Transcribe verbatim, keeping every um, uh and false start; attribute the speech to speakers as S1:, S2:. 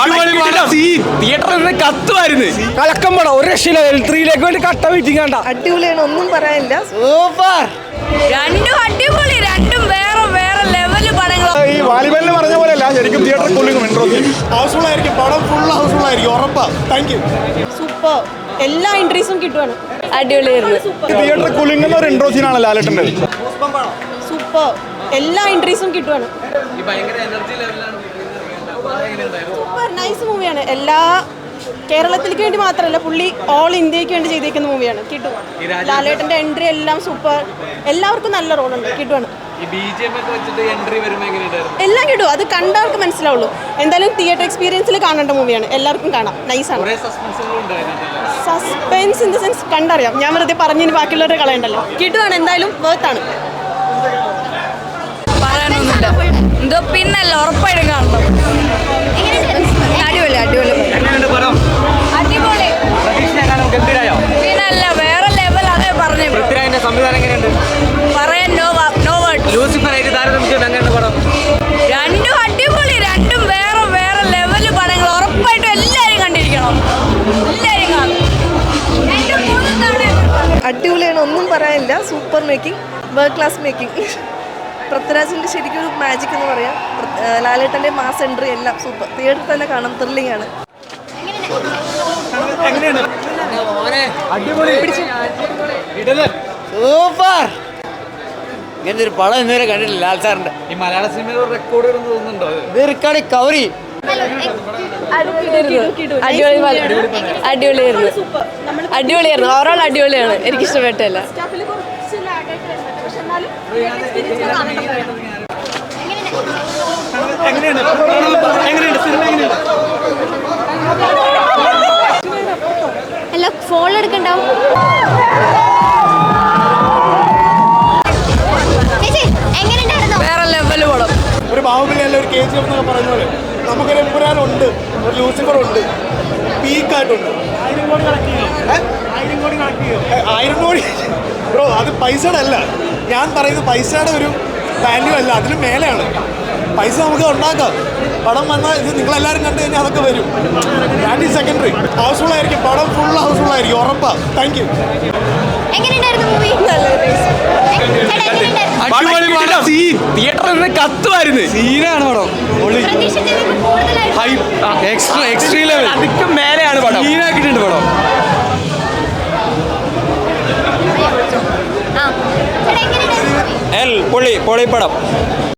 S1: തിയേറ്ററിൽ കത്തുമായിരുന്നു.
S2: കലക്കം പടം ഒരു രക്ഷയില്ല. ത്രീയിലേക്ക് വേണ്ടി കട്ട വെയിറ്റിംഗ് കണ്ട
S3: അടിപൊളിയാണ്, ഒന്നും പറയാനില്ല.
S2: സൂപ്പർ.
S4: രണ്ടും അടിപൊളി, രണ്ടും വേറെ വേറെ ലെവല് പടങ്ങൾ.
S5: ഈ വാലിബലിന് പറഞ്ഞ പോലെയല്ല, ശരിക്കും തിയേറ്റർ കൂളിംഗും ഹൗസ്ഫുൾ ആയിരിക്കും. പടം ഫുൾ ഹൗസ്ഫുൾ ആയിരിക്കും, ഉറപ്പാ. Thank you.
S3: സൂപ്പർ. എല്ലാ എൻട്രീസും കിട്ടുവാണ്.
S4: അടിപൊളിയായിരുന്നു.
S5: തിയേറ്റർ കൂളിംഗ് എന്ന ഒരു ഇൻട്രോ സീനാണ് ലാലേട്ടൻ്റെ.
S3: സൂപ്പർ. എല്ലാ എൻട്രീസും കിട്ടുവാണ്. സൂപ്പർ നൈസ് മൂവിയാണ്. എല്ലാ കേരളത്തിലേക്ക് വേണ്ടി മാത്രമല്ല, പുള്ളി ഓൾ ഇന്ത്യക്ക് വേണ്ടി ചെയ്തേക്കുന്ന മൂവിയാണ്. കിട്ടും. ലാലേട്ടൻ്റെ എൻട്രി എല്ലാം സൂപ്പർ. എല്ലാവർക്കും നല്ല റോളുണ്ട്. കിട്ടുവാണ്. എല്ലാം കിട്ടും. അത് കണ്ടവർക്ക് മനസ്സിലാവുള്ളൂ. എന്തായാലും തിയേറ്റർ എക്സ്പീരിയൻസിൽ കാണേണ്ട മൂവിയാണ്. എല്ലാവർക്കും കാണാം. നൈസാണ്. സസ്പെൻസ് ഇൻ ദ സെൻസ് കണ്ടറിയാം. ഞാൻ വെറുതെ പറഞ്ഞതിന് ബാക്കിയുള്ളവരെ കളയണ്ടല്ലോ. കിട്ടുവാണ്. എന്തായാലും വേർത്താണ്.
S4: പറയാനൊന്നുമില്ല. എന്തോ പിന്നല്ല, ഉറപ്പായിട്ടും കാണണം. അടിപൊളി അടിപൊളി അടിപൊളി. പിന്നല്ല, വേറെ ലെവൽ. അതേ പറഞ്ഞു. പറയാൻ നോ നോ വേർഡ്. രണ്ടും അടിപൊളി, രണ്ടും വേറെ വേറെ ലെവല് പടങ്ങൾ. ഉറപ്പായിട്ടും എല്ലാവരും കണ്ടിരിക്കണം. എല്ലാവരും കാണും.
S3: അടിപൊളിയാണ്, ഒന്നും പറയാനില്ല. Super making, world class making. പൃഥ്വിരാജിൻ്റെ ശരിക്കും ഒരു മാജിക് എന്ന് പറയാം. ലാലേട്ടൻ്റെ മാസ് എൻട്രി എല്ലാം സൂപ്പർ. തിയേറ്ററിൽ തന്നെ കാണാം. ത്രില്ലിംഗ് ആണ്.
S2: സൂപ്പർ. ഇങ്ങനത്തെ ഒരു പടം ഇന്നുവരെ കണ്ടിട്ടില്ല ലാൽ സാറിന്റെ.
S1: ഈ മലയാള സിനിമയിൽ റെക്കോർഡ് തോന്നുന്നുണ്ടോ?
S2: ഇത് റെക്കോർഡ് കവറി.
S4: അടിപൊളിയായിരുന്നു. അടിപൊളിയായിരുന്നു. ഓവറോൾ അടിപൊളിയാണ്. എനിക്ക് ഇഷ്ടപ്പെട്ടില്ല.
S6: അല്ല, ഫോൺ എടുക്കണ്ടാവും.
S4: വേറെ ലെവല് പടം.
S5: ഒരു ബാഹുബലി അല്ല, ഒരു കെ ജി എഫ് എന്നൊക്കെ പറയുന്ന പോലെ നമുക്കൊരു എമ്പുരാനുണ്ട്, ഒരു ലൂസിഫർ ഉണ്ട്, പീക്കായിട്ടുണ്ട്. ആയിരം കോടി കളക്ട് ചെയ്യും. ആയിരം കോടി കളക്ട് ചെയ്യും. ആയിരം കോടി ബ്രോ, അത് പൈസയുടെ അല്ല. ഞാൻ പറയുന്നത് പൈസയുടെ ഒരു വാല്യൂ അല്ല, അതിന് മേലെയാണ്. പൈസ നമുക്ക് ഉണ്ടാക്കാം. പടം വന്നാൽ ഇത് നിങ്ങളെല്ലാവരും കണ്ടു കഴിഞ്ഞാൽ അതൊക്കെ വരും. That is secondary. ഹൗസ്ഫുൾ ആയിരിക്കും. പടം ഫുൾ ഹൗസ്ഫുൾ ആയിരിക്കും, ഉറപ്പാ. Thank you.
S1: തിയേറ്ററിൽ കത്തുമായിരുന്നു. സീനാണ് പടം. Extreme level. അതിക്ക് മേലെയാണ് പടം. സീനാക്കിയിട്ടുണ്ട് പടം.
S6: ആ
S1: എൽ പൊളി പൊളി പടം.